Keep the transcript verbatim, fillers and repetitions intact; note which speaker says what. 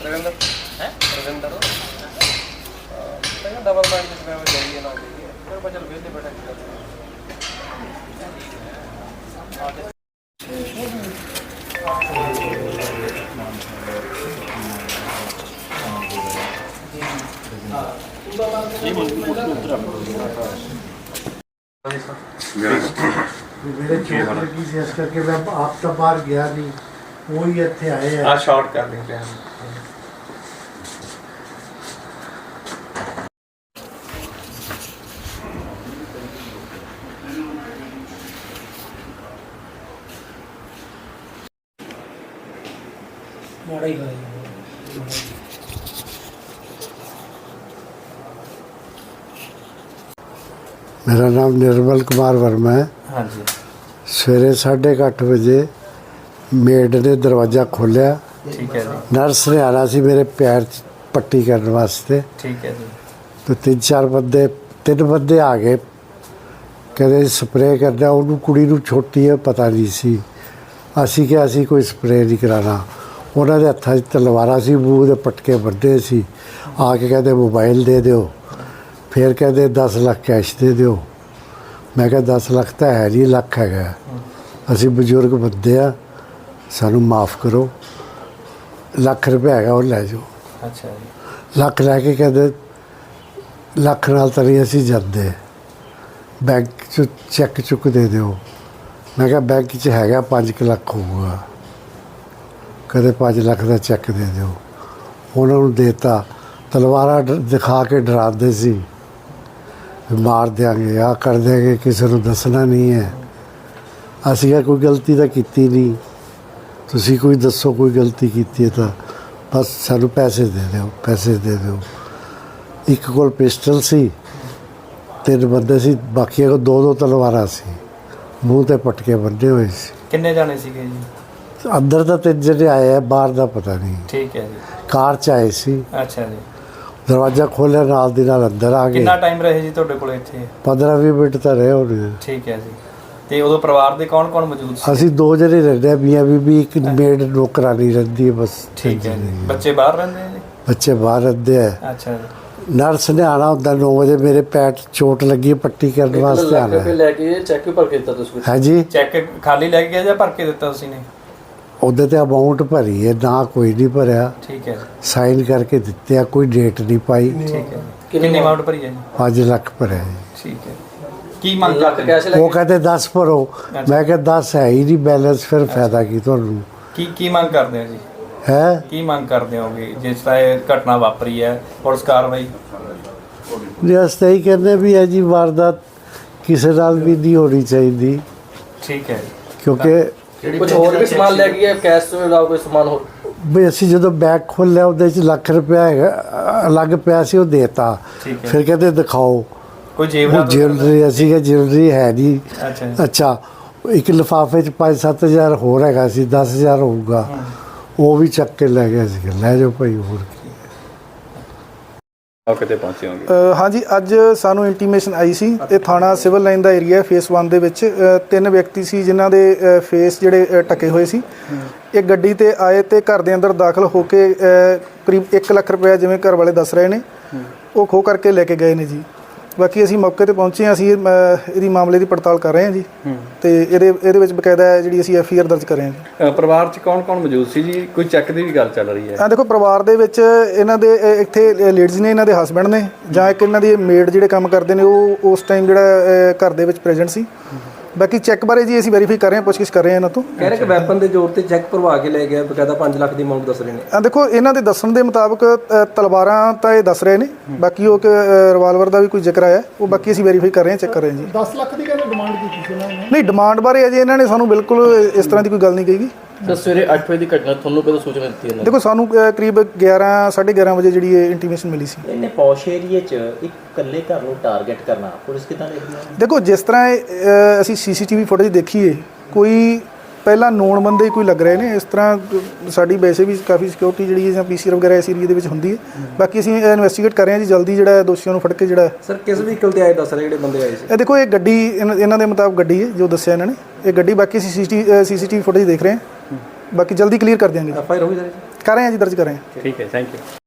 Speaker 1: रविंदर है Ravinder double mind जिसमें वो जाइए ना जाइए फिर बचल भेज दे बेटा
Speaker 2: मेरे चोट लगी सी इस करके मैं आप तो बाहर गया नहीं वो ही इतने आए हैं
Speaker 1: हाँ शॉर्ट कर लेते हैं
Speaker 2: माड़ा ही खाई मेरा नाम निर्मल कुमार वर्मा है।
Speaker 1: हाँ जी
Speaker 2: सवेरे साढ़े अठ बजे मेड ने दरवाज़ा खोलिया।
Speaker 1: ठीक है जी
Speaker 2: नर्स ने आना सी मेरे पैर पट्टी करने वास्ते।
Speaker 1: ठीक है जी
Speaker 2: तो तीन चार बंदे तीन बंदे आ गए कहते स्प्रे करना उन्होंने कुड़ी नूं छोटी है पता नहीं सी असी क्या असी कोई स्प्रे नहीं कराना उन्होंने हत्थां 'च तलवारां सी मूँह दे पटके बंधे सी आके कहते मोबाइल दे दो फिर कहते दस लाख कैश दे दो मैं क्या दस लाख तो है नहीं लाख है असी बजुर्ग बंदे आ सानू माफ़ करो लख रुपया है वो लै जाओ।
Speaker 1: अच्छा जी
Speaker 2: लख लैके कहते लख नाल तो नहीं असी जाते बैंक च चैक चुक दे दो मैं क्या बैंक च है पाँच क लख होगा कहते पाँच लख का चैक दे दो उन्होंने देता तलवारा दिखा के डराते सी मार देंगे आ कर देंगे किसी को दसना नहीं है असी क्या कोई गलती तो की नहीं तुसी कोई दसो कोई गलती की है तो बस सानू पैसे दे दो पैसे दे दो एक कोल पिस्टल सी तीन बंदे सी बाकी को दो दो तलवारा सी मूँह ते पटके बन्ने हुए सी।
Speaker 1: किन्ने जाने सीगे जी
Speaker 2: अंदर तो तीन जने आए हैं बाहर का पता नहीं।
Speaker 1: ठीक है जी
Speaker 2: कार च आए सी
Speaker 1: अच्छा जी
Speaker 2: दरवाजा खोलिया नाल दी नाल अंदर आ गए।
Speaker 1: कितना टाइम रहे जी ਤੁਹਾਡੇ ਕੋਲ ਇੱਥੇ
Speaker 2: पंद्रह भी मिनट तो रहे होने।
Speaker 1: ठीक है जी ਤੇ ਉਦੋਂ ਪਰਿਵਾਰ ਦੇ ਕੌਣ ਕੌਣ ਮੌਜੂਦ ਸੀ
Speaker 2: ਅਸੀਂ ਦੋ ਜਣੇ ਰਹਿੰਦੇ ਆ ਮੀਆਂ ਬੀਬੀ ਇੱਕ ਮੇਡ ਨੌਕਰਾਨੀ ਰਹਿੰਦੀ ਹੈ ਬਸ।
Speaker 1: ਠੀਕ ਹੈ ਜੀ ਬੱਚੇ ਬਾਹਰ ਰਹਿੰਦੇ ਆ ਜੀ
Speaker 2: ਬੱਚੇ ਬਾਹਰ ਰਹਿੰਦੇ ਆ।
Speaker 1: ਅੱਛਾ ਜੀ
Speaker 2: नर्स ने आना होता नौ बजे मेरे पैर चोट लगी पट्टी करने वास्ते आना है।
Speaker 1: लेके चेक भर के ਦਿੱਤਾ ਤੁਸੀਂ
Speaker 2: है जी
Speaker 1: ਚੈੱਕ ਖਾਲੀ ਲੈ ਕੇ ਗਿਆ ਜਾਂ ਭਰ ਕੇ ਦਿੱਤਾ ਤੁਸੀਂ ਨੇ
Speaker 2: ਉਹਦੇ ਤੇ ਅਮਾਉਂਟ ਭਰੀ ਹੈ ਨਾ ਕੋਈ ਨਹੀਂ ਭਰਿਆ
Speaker 1: ਠੀਕ ਹੈ
Speaker 2: ਸਾਈਨ ਕਰਕੇ ਦਿੱਤੇ ਆ ਕੋਈ ਡੇਟ ਨਹੀਂ ਪਾਈ।
Speaker 1: ਠੀਕ ਹੈ ਕਿੰਨੀ ਅਮਾਉਂਟ ਭਰੀ ਹੈ ਜੀ
Speaker 2: पाँच लाख ਭਰਿਆ ਜੀ।
Speaker 1: ਠੀਕ ਹੈ ਕੀ ਮੰਗ ਕਰਦੇ ਕੈਸ਼
Speaker 2: ਉਹ ਕਹਿੰਦੇ दस ਭਰੋ ਮੈਂ ਕਿਹਾ दस ਹੈ ਹੀ ਨਹੀਂ ਬੈਲੈਂਸ ਫਿਰ ਫਾਇਦਾ ਕੀ ਤੁਹਾਨੂੰ
Speaker 1: ਕੀ ਕੀ ਮੰਗ ਕਰਦੇ ਹੋ ਜੀ
Speaker 2: ਹੈ
Speaker 1: ਕੀ ਮੰਗ ਕਰਦੇ ਹੋਗੇ ਜਿਸ ਤਰ੍ਹਾਂ ਇਹ ਘਟਨਾ ਵਾਪਰੀ ਹੈ ਪੁਲਿਸ ਕਾਰਵਾਈ
Speaker 2: ਰਿਆਸਤ ਹੀ ਕਹਿੰਦੇ ਵੀ ਹੈ ਜੀ ਵਾਰਦਾਤ ਕਿਸੇ ਨਾਲ ਵੀ ਨਹੀਂ ਹੋਣੀ ਚਾਹੀਦੀ
Speaker 1: ਠੀਕ ਹੈ
Speaker 2: ਕਿਉਂਕਿ
Speaker 3: ਕੁਝ ਹੋਰ ਵੀ ਸਮਾਨ ਲੈ ਗਏ ਕੈਸ਼ ਤੋਂ ਇਲਾਵਾ ਕੋਈ ਸਮਾਨ ਹੋਰ
Speaker 2: ਵੀ ਅਸੀਂ ਜਦੋਂ ਬੈਗ ਖੋਲ੍ਹਿਆ ਉਹਦੇ 'ਚ ਲੱਖ ਰੁਪਇਆ ਹੈਗਾ ਅਲੱਗ ਪਿਆ ਸੀ ਉਹ ਦੇਤਾ ਫਿਰ ਕਹਿੰਦੇ ਦਿਖਾਓ
Speaker 1: ਕੋਈ
Speaker 2: ਜਿਵਲਰੀ ਅਸੀਂ ਕਿ ਜਿਵਲਰੀ ਹੈ ਨਹੀਂ।
Speaker 1: ਅੱਛਾ
Speaker 2: ਅੱਛਾ ਇੱਕ ਲਿਫਾਫੇ 'ਚ ਪੰਜ ਸੱਤ ਹਜ਼ਾਰ ਹੋਰ ਹੈਗਾ ਸੀ ਦਸ ਹਜ਼ਾਰ ਹੋਊਗਾ ਉਹ ਵੀ ਚੱਕ ਕੇ ਲੈ ਗਿਆ ਸੀ ਲੈ ਜਾਓ ਭਾਈ ਹੋਰ ਕੀ
Speaker 1: ਕਿਤੇ ਪਹੁੰਚੇ ਹੋਗੇ।
Speaker 4: ਹਾਂਜੀ ਅੱਜ ਸਾਨੂੰ ਇੰਟੀਮੇਸ਼ਨ ਆਈ ਸੀ ਇਹ ਥਾਣਾ ਸਿਵਲ ਲਾਈਨ ਦਾ ਏਰੀਆ ਫੇਸ वन ਦੇ ਵਿੱਚ ਤਿੰਨ ਵਿਅਕਤੀ ਸੀ ਜਿਨ੍ਹਾਂ ਦੇ ਫੇਸ ਜਿਹੜੇ ਟਕੇ ਹੋਏ ਸੀ ਇਹ ਗੱਡੀ ਤੇ ਆਏ ਤੇ ਘਰ ਦੇ ਅੰਦਰ ਦਾਖਲ ਹੋ ਕੇ ਕਰੀਬ ਇੱਕ ਲੱਖ ਰੁਪਏ ਜਿਵੇਂ ਘਰ ਵਾਲੇ ਦੱਸ ਰਹੇ ਨੇ ਉਹ ਖੋਹ ਕਰਕੇ ਲੈ ਕੇ ਗਏ ਨੇ ਜੀ। ਬਾਕੀ ਅਸੀਂ ਮੌਕੇ ਤੇ ਪਹੁੰਚੇ ਹਾਂ ਅਸੀਂ ਇਹਦੀ ਮਾਮਲੇ ਦੀ ਪੜਤਾਲ ਕਰ ਰਹੇ ਹਾਂ ਜੀ ਤੇ ਇਹਦੇ ਇਹਦੇ ਵਿੱਚ ਬਕਾਇਦਾ ਜਿਹੜੀ ਅਸੀਂ ਐਫ ਆਈ ਆਰ ਦਰਜ ਕਰ ਰਹੇ ਹਾਂ ਜੀ।
Speaker 1: ਪਰਿਵਾਰ 'ਚ ਕੌਣ ਕੌਣ ਮੌਜੂਦ ਸੀ ਜੀ ਕੋਈ ਚੈੱਕ ਦੀ ਵੀ ਗੱਲ ਚੱਲ ਰਹੀ ਹੈ।
Speaker 4: ਆ ਦੇਖੋ ਪਰਿਵਾਰ ਦੇ ਵਿੱਚ ਇਹਨਾਂ ਦੇ ਇੱਥੇ ਲੇਡੀਜ਼ ਨੇ ਇਹਨਾਂ ਦੇ ਹਸਬੈਂਡ ਨੇ ਜਾਂ ਇੱਕ ਇਹਨਾਂ ਦੀ ਮੇਡ ਜਿਹੜੇ ਕੰਮ ਕਰਦੇ ਨੇ ਉਹ ਉਸ ਟਾਈਮ ਜਿਹੜਾ ਘਰ ਦੇ ਵਿੱਚ ਪ੍ਰੈਜ਼ੈਂਟ ਸੀ। ਬਾਕੀ ਚੈੱਕ ਬਾਰੇ ਜੀ ਅਸੀਂ ਵੈਰੀਫਾਈ ਕਰ ਰਹੇ ਹਾਂ ਪੁੱਛਗਿੱਛ ਕਰ ਰਹੇ ਹਾਂ ਇਹਨਾਂ ਤੋਂ।
Speaker 3: ਕਹਿ ਰਹੇ ਕਿ ਵੈਪਨ ਦੇ ਜ਼ੋਰ ਤੇ ਚੈੱਕ ਭਰਵਾ ਕੇ ਲੈ ਗਿਆ ਬਕਾਇਦਾ ਪੰਜ ਲੱਖ ਦੀ ਅਮਾਉਂਟ ਦੱਸ ਰਹੇ ਨੇ।
Speaker 4: ਆ ਦੇਖੋ ਇਹਨਾਂ ਦੇ ਦੱਸਣ ਦੇ ਮੁਤਾਬਕ ਤਲਵਾਰਾਂ ਤਾਂ ਇਹ ਦੱਸ ਰਹੇ ਨੇ ਬਾਕੀ ਉਹ ਰਿਵਾਲਵਰ ਦਾ ਵੀ ਕੋਈ ਜ਼ਿਕਰ ਆਇਆ ਉਹ ਬਾਕੀ ਅਸੀਂ ਵੈਰੀਫਾਈ ਕਰ ਰਹੇ ਹਾਂ ਚੈੱਕ ਕਰ ਰਹੇ ਹਾਂ ਜੀ।
Speaker 2: दस लाख ਦੀ ਕਹਿੰਦੇ ਡਿਮਾਂਡ ਕੀਤੀ ਸੀ ਇਹਨਾਂ ਨੇ।
Speaker 4: ਨਹੀਂ ਡਿਮਾਂਡ ਬਾਰੇ ਅਜੇ ਇਹਨਾਂ ਨੇ ਸਾਨੂੰ ਬਿਲਕੁਲ ਇਸ ਤਰ੍ਹਾਂ ਦੀ ਕੋਈ ਗੱਲ ਨਹੀਂ ਕਹੀ।
Speaker 3: ਸਰ ਸਵੇਰੇ ਅੱਠ ਵਜੇ ਦੀ ਘਟਨਾ ਤੁਹਾਨੂੰ ਕਦੋਂ ਸੂਚਨਾ ਦਿੱਤੀ ਇਹਨਾਂ ਨੇ?
Speaker 4: ਦੇਖੋ ਸਾਨੂੰ ਕਰੀਬ ਗਿਆਰਾਂ ਸਾਢੇ ਗਿਆਰਾਂ ਵਜੇ ਜਿਹੜੀ ਇਹ ਇੰਟੀਮੇਸ਼ਨ ਮਿਲੀ ਸੀ।
Speaker 5: ਇਹਨੇ ਪੌਸ਼ ਏਰੀਏ 'ਚ ਇੱਕ ਇਕੱਲੇ ਘਰ ਨੂੰ ਟਾਰਗੇਟ ਕਰਨਾ ਪੁਲਿਸ ਕਿੱਦਾਂ ਦੇਖਦੀ ਹੈ?
Speaker 4: ਦੇਖੋ ਜਿਸ ਤਰ੍ਹਾਂ ਅਸੀਂ ਸੀਸੀਟੀਵੀ ਫੁਟੇਜ ਦੇਖੀਏ ਕੋਈ ਪਹਿਲਾਂ ਨੋਨ ਬੰਦੇ ਕੋਈ ਲੱਗ ਰਹੇ ਨੇ ਇਸ ਤਰ੍ਹਾਂ ਸਾਡੀ ਵੈਸੇ ਵੀ ਕਾਫੀ ਸਿਕਿਉਰਿਟੀ ਜਿਹੜੀ ਹੈ ਜਾਂ ਪੀਸੀਆਰ ਵਗੈਰਾ ਇਸ ਏਰੀਏ ਦੇ ਵਿੱਚ ਹੁੰਦੀ ਹੈ। ਬਾਕੀ ਅਸੀਂ ਇਨਵੈਸਟੀਗੇਟ ਕਰ ਰਹੇ ਹਾਂ ਜੀ ਜਲਦੀ ਜਿਹੜਾ ਦੋਸ਼ੀਆਂ ਨੂੰ ਫੜ ਕੇ ਜਿਹੜਾ
Speaker 3: ਸਰ ਕਿਸ ਵਹੀਕਲ ਤੇ ਆਏ ਦੱਸ ਰਹੇ ਜਿਹੜੇ ਬੰਦੇ ਆਏ ਸੀ?
Speaker 4: ਇਹ ਦੇਖੋ ਇਹ ਗੱਡੀ ਇਹਨਾਂ ਦੇ ਮੁਤਾਬਕ ਗੱਡੀ ਹੈ ਜੋ ਦੱਸਿਆ ਇਹਨਾਂ ਨੇ ਇਹ ਗੱਡੀ ਬਾਕੀ ਅਸੀਂ ਸੀਸੀਟੀਵੀ ਸੀਸੀਟੀਵੀ ਫੁਟੇਜ ਦੇਖ ਰਹੇ ਹਾਂ ਬਾਕੀ ਜਲਦੀ ਕਲੀਅਰ ਕਰ ਦਿਆਂਗੇ।
Speaker 3: ਐਫ ਆਈ ਆਰ ਹੋਈ ਸਰ?
Speaker 4: ਕਰ ਰਹੇ ਹਾਂ ਜੀ, ਦਰਜ ਕਰ ਰਹੇ ਹਾਂ।
Speaker 1: ਠੀਕ ਹੈ, ਥੈਂਕ ਯੂ।